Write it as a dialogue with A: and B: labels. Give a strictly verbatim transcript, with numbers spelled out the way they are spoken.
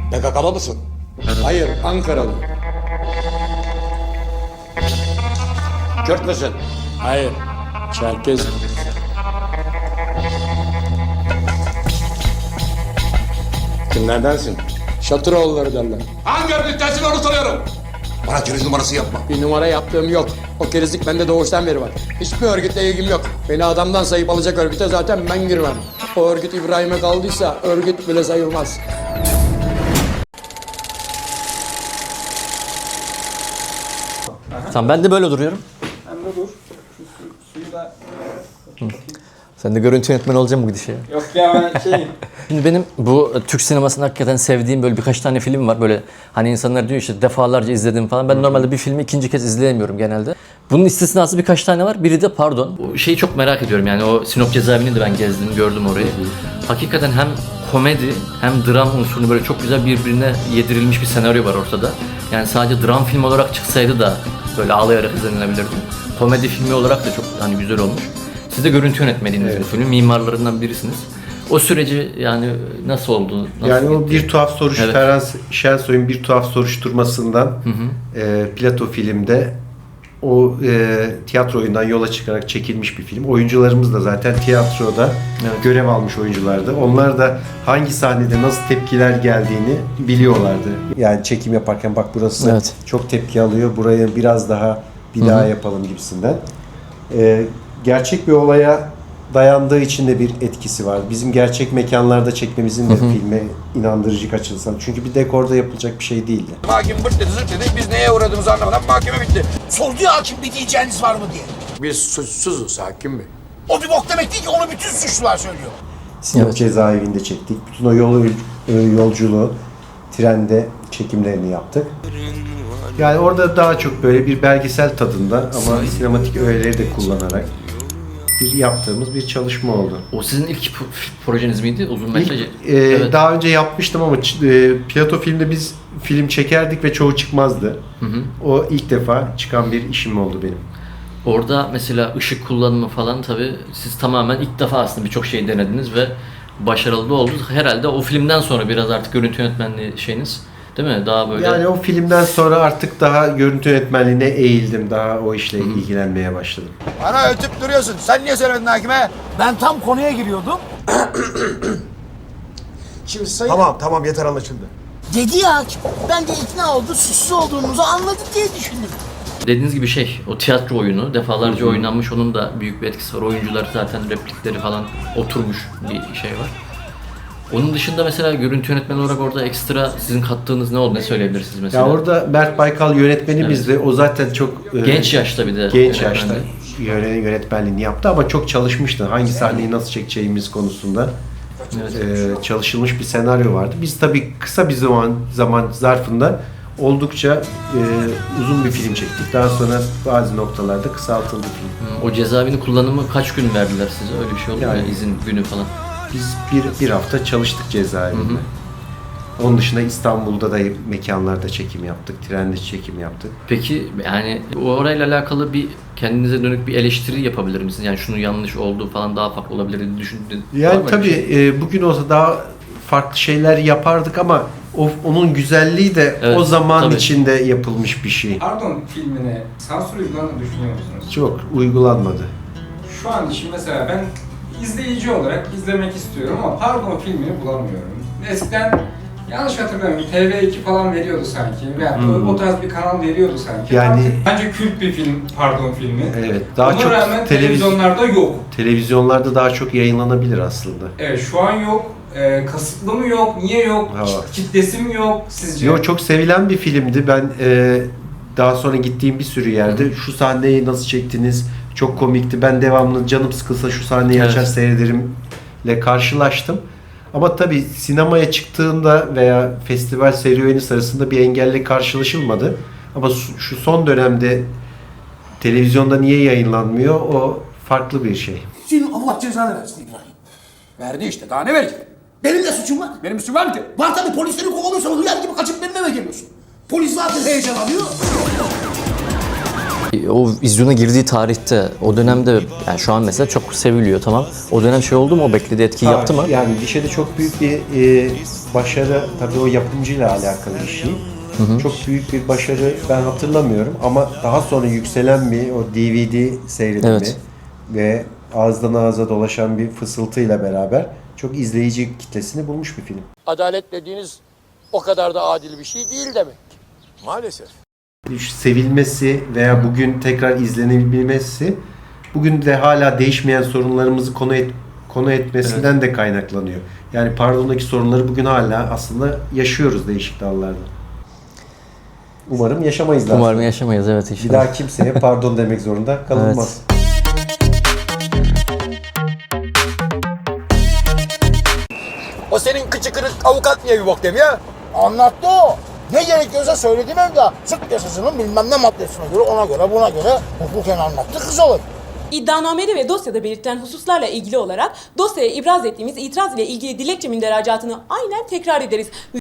A: P K K'lı mısın?
B: Hayır, Ankaralı.
A: Kürt müsün?
B: Hayır, Çerkez.
A: Kimlerdensin?
B: Şatıroğulları derler.
A: Hangi örgüttensin onu soruyorum. Bana keriz numarası yapma.
B: Bir numara yaptığım yok. O kerizlik bende doğuştan beri var. Hiçbir örgütle ilgim yok. Beni adamdan sayıp alacak örgüte zaten ben girmem. O örgüt İbrahim'e kaldıysa örgüt bile sayılmaz.
C: Tamam, ben de böyle duruyorum.
D: Hem de dur. Şu su, suyu da...
C: Sen de görüntü yönetmeni olacaksın bu gidişe.
D: Yok ya ben şeyim.
C: Şimdi benim bu Türk sinemasında hakikaten sevdiğim böyle birkaç tane film var. Böyle hani insanlar diyor işte defalarca izledim falan. Ben normalde bir filmi ikinci kez izleyemiyorum genelde. Bunun istisnası birkaç tane var. Biri de Pardon. Bu şeyi çok merak ediyorum yani o Sinop cezaevini de ben gezdim, gördüm orayı. Hakikaten hem komedi hem dram unsurunu böyle çok güzel birbirine yedirilmiş bir senaryo var ortada. Yani sadece dram film olarak çıksaydı da böyle ağlayarak izlenilebilirdi. Komedi filmi olarak da çok hani güzel olmuş. Siz de görüntü yönetmeniydiniz
E: Evet.
C: bu filmin, mimarlarından birisiniz. O süreci yani nasıl oldu? Nasıl
E: Yani o
C: gitti?
E: bir tuhaf soruş,
C: Evet.
E: Ferhan Şensoy'un bir tuhaf soruşturmasından
C: Hı hı.
E: e, Plato filmde o e, tiyatro oyundan yola çıkarak çekilmiş bir film. Oyuncularımız da zaten tiyatroda
C: Evet.
E: görev almış oyunculardı. Onlar da hangi sahnede nasıl tepkiler geldiğini biliyorlardı. Yani çekim yaparken bak burası
C: Evet.
E: çok tepki alıyor, burayı biraz daha bir
C: Hı
E: daha
C: hı.
E: yapalım gibisinden. E, gerçek bir olaya dayandığı için de bir etkisi var. Bizim gerçek mekanlarda çekmemizin de filme inandırıcı açılsan. Çünkü bir dekorda yapılacak bir şey değildi.
F: Hakim bırt dedi zırt dedi. Biz neye uğradığımızı anlamadan mahkeme bitti. Sordu ya hakim bir diyeceğiniz var mı diye.
B: Biz suçsuzuz hakim bey.
F: O bir bok demek değil ki onu bütün suçlular söylüyor.
E: Sinop
C: Evet.
E: cezaevinde çektik. Bütün o yol, yolculuğu trende çekimlerini yaptık. Yani orada daha çok böyle bir belgesel tadında ama sinematik öğeleri de kullanarak bir yaptığımız bir çalışma oldu.
C: O sizin ilk p- projeniz miydi? Uzun metraj.
E: İlk, e, Daha önce yapmıştım ama ç- e, Plato filmde biz film çekerdik ve çoğu çıkmazdı.
C: Hı hı.
E: O ilk defa çıkan bir işim oldu benim.
C: Orada mesela ışık kullanımı falan tabii siz tamamen ilk defa aslında birçok şey denediniz ve başarılı da oldunuz. Herhalde o filmden sonra biraz artık görüntü yönetmenliği şeyiniz değil mi? Daha böyle...
E: Yani o filmden sonra artık daha görüntü yönetmenliğine eğildim. Daha o işle ilgilenmeye başladım.
F: Bana ötüp duruyorsun. Sen niye söylemedin hakime? Ben tam konuya giriyordum.
B: Şimdi sayın...
A: Tamam tamam yeter anlaşıldı.
F: Dedi ya hakim. Ben de ikna oldu. Suçlu olduğumuzu anladık diye düşündüm.
C: Dediğiniz gibi şey, o tiyatro oyunu defalarca oynanmış, onun da büyük bir etkisi var. Oyuncular zaten replikleri falan oturmuş bir şey var. Onun dışında mesela görüntü yönetmeni olarak orada ekstra sizin kattığınız ne oldu? Ne söyleyebilirsiniz mesela?
E: Ya orada Mert Baykal yönetmenimizdi. O zaten çok e,
C: Genç yaşta bir de.
E: genç
C: yönetmendi.
E: yaşta yöne- yönetmenliğini yaptı ama çok çalışmıştı. Hangi sahneyi nasıl çekeceğimiz konusunda e, çalışılmış bir senaryo vardı. Biz tabii kısa bir zaman zaman zarfında oldukça e, uzun bir film çektik. Daha sonra bazı noktalarda kısaltıldı film.
C: Hı, O cezaevini kullanımı kaç gün verdiler size? Öyle bir şey oldu mu?
E: Yani-
C: Yani izin günü falan.
E: Biz bir, bir hafta çalıştık cezaevinde.
C: Hı hı.
E: Onun dışında İstanbul'da da mekanlarda çekim yaptık, trende çekim yaptık.
C: Peki yani o orayla alakalı bir kendinize dönük bir eleştiri yapabilir misiniz? Yani şunu yanlış oldu falan daha farklı olabilir diye düşündün. Var
E: Yani
C: mı öyle
E: tabii
C: bir şey?
E: e, bugün olsa daha farklı şeyler yapardık ama o, onun güzelliği de
C: Evet,
E: o zaman
C: tabii.
E: içinde yapılmış bir şey.
D: Pardon filmine sansür uygulandığını düşünüyor musunuz?
E: Çok uygulanmadı.
D: Şu an için mesela ben izleyici olarak izlemek istiyorum ama Pardon filmini bulamıyorum. Eskiden yanlış hatırlamıyorum T V iki falan veriyordu sanki veya
E: Hmm.
D: o tarz bir kanal veriyordu sanki.
E: Yani-
D: Artık bence kült bir film Pardon filmi.
E: Evet, daha
D: Ona
E: çok
D: rağmen
E: televiz-
D: televizyonlarda yok.
E: televizyonlarda daha çok yayınlanabilir aslında.
D: Evet şu an yok. Ee, kasıtlı mı yok? Niye yok?
E: Ha.
D: Kit- Kitlesi mi yok sizce?
E: Yo, çok sevilen bir filmdi. Ben e, daha sonra gittiğim bir sürü yerde şu sahneyi nasıl çektiniz? Çok komikti. Ben devamlı canım sıkılsa şu sahneyi
C: Evet.
E: açar seyrederimle karşılaştım. Ama tabii sinemaya çıktığında veya festival serüveni sırasında bir engelle karşılaşılmadı. Ama su- şu son dönemde televizyonda niye yayınlanmıyor? O farklı bir şey.
F: Senin Allah cezanı versin İbrahim. Verdi işte daha ne verecek? Benim de suçum var. Benim suçum var mı ki? Var tabii polisleri kovalıyorsan hıyar gibi kaçıp benim eve geliyorsun. Polis zaten heyecanlanıyor.
C: O vizyona girdiği tarihte, o dönemde, yani şu an mesela çok seviliyor, tamam. O dönem şey oldu mu, o beklediği etkiyi yaptı mı?
E: Yani gişede çok büyük bir e, başarı, tabii o yapımcıyla alakalı bir şey. Hı hı. Çok büyük bir başarı ben hatırlamıyorum ama daha sonra yükselen bir o D V D seyredimi
C: Evet.
E: ve ağızdan ağza dolaşan bir fısıltıyla beraber çok izleyici kitlesini bulmuş bir film.
B: Adalet dediğiniz o kadar da adil bir şey değil demek.
F: Maalesef.
E: Sevilmesi veya bugün tekrar izlenebilmesi bugün de hala değişmeyen sorunlarımızı konu et, konu etmesinden evet. de kaynaklanıyor. Yani pardondaki sorunları bugün hala aslında yaşıyoruz değişik dallarda. Umarım yaşamayız daha.
C: Umarım yaşamayız, evet inşallah.
E: Bir daha kimseye pardon demek zorunda kalınmaz.
C: Evet.
B: O senin kıçı kırık avukat niye bir bok demiyor?
G: Anlattı o. Ne gerekiyorsa söyledi Mevda. Sık yasasının bilmem ne maddesine göre, ona göre, buna göre hukuken anlattı, kız olur.
H: İddianamede ve dosyada belirtilen hususlarla ilgili olarak dosyaya ibraz ettiğimiz itiraz ile ilgili dilekçe münderacaatını aynen tekrar ederiz.